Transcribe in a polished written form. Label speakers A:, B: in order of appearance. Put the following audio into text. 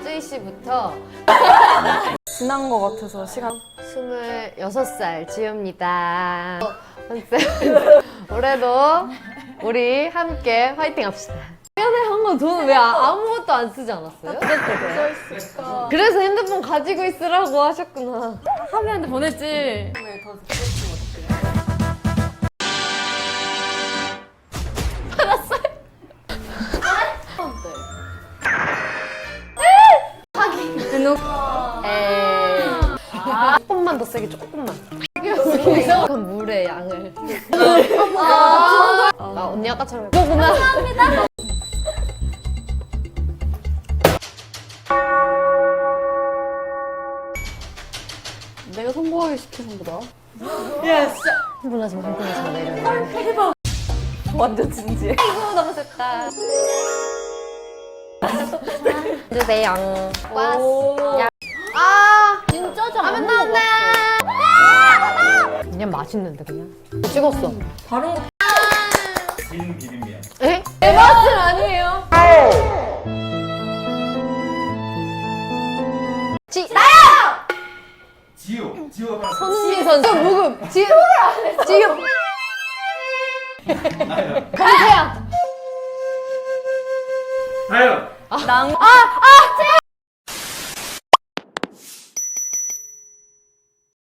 A: 쯔이 씨부터
B: 지난 것 같아서 시간.
A: 26살 지우입니다. 올해도 우리 함께 화이팅 합시다. 최근에 한 건 저는 왜 아무것도 안 쓰지 않았어요? 그래서 핸드폰 가지고 있으라고 하셨구나.
B: 하미한테 보냈지.
A: 조금만 더 세게, 조금만. 이상한 물의 양을. 언니 아까처럼 이거구나.
B: 내가 성공하게 시켜준 거다.
A: 흥분하지 마, 흥분하지 마, 내려.
B: 완전 진지해.
A: 아이고, 너무 셌다. 주세요. 와. 아,
B: 진짜 잘
A: 라면 나온다. 그냥 맛있는데 그냥. 찍었어.
B: 다른 거.
C: 진 비빔면.
A: 에? 내 맛은 아니에요.
C: 지우가 바로
A: 손흥민 선수 무급. 지금.
C: 나요.
A: 강태야.
C: 다요.
B: 낭.
A: 아,